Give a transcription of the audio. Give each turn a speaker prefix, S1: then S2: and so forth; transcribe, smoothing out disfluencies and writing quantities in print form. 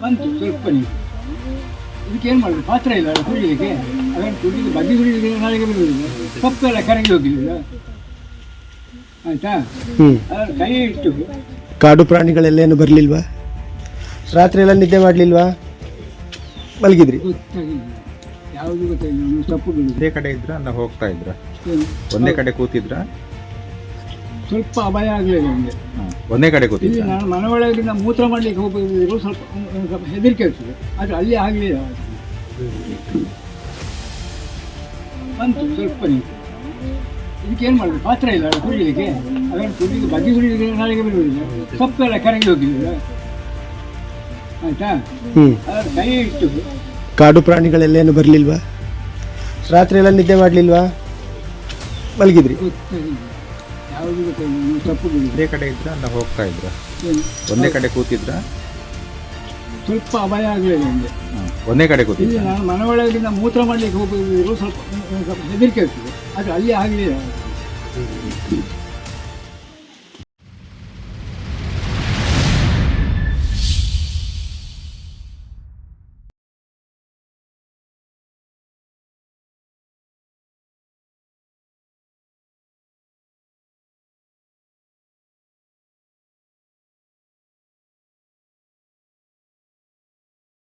S1: ಬಂತು ಸ್ವಲ್ಪ ನೀರು. ಇದಕ್ಕೆ ಏನು ಮಾಡೋದು, ಪಾತ್ರ ಇಲ್ಲ ಅಲ್ಲ ಕುಡಿಲಿಕ್ಕೆ. ಅದನ್ನು ಕುಡಿಲಿಕ್ಕೆ ಬಗ್ಗಿ ಕುಡಿಲಿಕ್ಕೆ ನಾಳೆಗೆ ಬರುವುದಿಲ್ಲ, ಸೊಪ್ಪೆಲ್ಲ ಕರಗಿ ಹೋಗಿಲ್ಲ. ಆಯಿತಾ, ಅದನ್ನು ಕೈ ಇಟ್ಟು.
S2: ಕಾಡು ಪ್ರಾಣಿಗಳೆಲ್ಲೇನು ಬರಲಿಲ್ವಾ? ರಾತ್ರಿ ಎಲ್ಲ ನಿದ್ದೆ ಮಾಡಲಿಲ್ವಾ? ಮಲಗಿದ್ರಿ?
S1: ಗೊತ್ತಾಗಿಲ್ಲ, ಯಾವುದು ಗೊತ್ತಾಗಿಲ್ಲ. ಸೊಪ್ಪುಗಳು
S3: ಒಂದೇ ಕಡೆ ಇದ್ರ ಅಲ್ಲ ಹೋಗ್ತಾ ಇದ್ರ?
S1: ಏನು?
S3: ಒಂದೇ ಕಡೆ ಕೂತಿದ್ರ?
S1: ಸ್ವಲ್ಪ ಅಭಯ ಆಗಲಿಲ್ಲ ನನಗೆ.
S3: ಒಂದೇ ಕಡೆ
S1: ಇಲ್ಲಿ
S3: ಕೂತಿದ್ರ?
S1: ನಾನು ಮನೆ ಒಳಗಿಂದ ಮೂತ್ರ ಮಾಡಲಿಕ್ಕೆ ಹೋಗೋದಿದ್ರು ಸ್ವಲ್ಪ ಹೆದರಿಕೆ ಆಗ್ತದೆ, ಆದರೆ ಅಲ್ಲಿ ಆಗಲಿಲ್ಲ. ಬಂತು ಸ್ವಲ್ಪ ನೀರು. ಇದಕ್ಕೆ ಏನು ಮಾಡೋದು, ಪಾತ್ರ ಇಲ್ಲ ಅಲ್ಲ ಕುಡಿಲಿಕ್ಕೆ. ಅದನ್ನು ಕುಡಿಲಿಕ್ಕೆ ಬಗ್ಗಿ ಕುಡಿಲಿಕ್ಕೆ ನಾಳೆಗೆ ಬರುವುದಿಲ್ಲ, ಸೊಪ್ಪೆಲ್ಲ ಕರಗಿ ಹೋಗಿಲ್ಲ. ಆಯಿತಾ, ಅದನ್ನು ಕೈ ಇಟ್ಟು.
S2: ಕಾಡು ಪ್ರಾಣಿಗಳೆಲ್ಲೇನು ಬರಲಿಲ್ವಾ? ರಾತ್ರಿ ಎಲ್ಲ ನಿದ್ದೆ ಮಾಡಲಿಲ್ವಾ? ಮಲಗಿದ್ರಿ?
S1: ಗೊತ್ತಾಗಿಲ್ಲ, ಯಾವುದು ಗೊತ್ತಾಗಿಲ್ಲ. ಸೊಪ್ಪುಗಳು
S3: ಒಂದೇ ಕಡೆ ಇದ್ರ ಅಲ್ಲ ಹೋಗ್ತಾ ಇದ್ರ?
S1: ಏನು?
S3: ಒಂದೇ ಕಡೆ ಕೂತಿದ್ರ?
S1: ಸ್ವಲ್ಪ ಅಭಯ ಆಗಲಿಲ್ಲ ನನಗೆ.
S3: ಒಂದೇ ಕಡೆ
S1: ಇಲ್ಲಿ
S3: ಕೂತಿದ್ರ?
S1: ನಾನು ಮನೆ ಒಳಗಿಂದ ಮೂತ್ರ ಮಾಡಲಿಕ್ಕೆ ಹೋಗೋದಿದ್ರು ಸ್ವಲ್ಪ ಹೆದರಿಕೆ ಆಗ್ತದೆ, ಆದರೆ ಅಲ್ಲಿ ಆಗಲಿಲ್ಲ.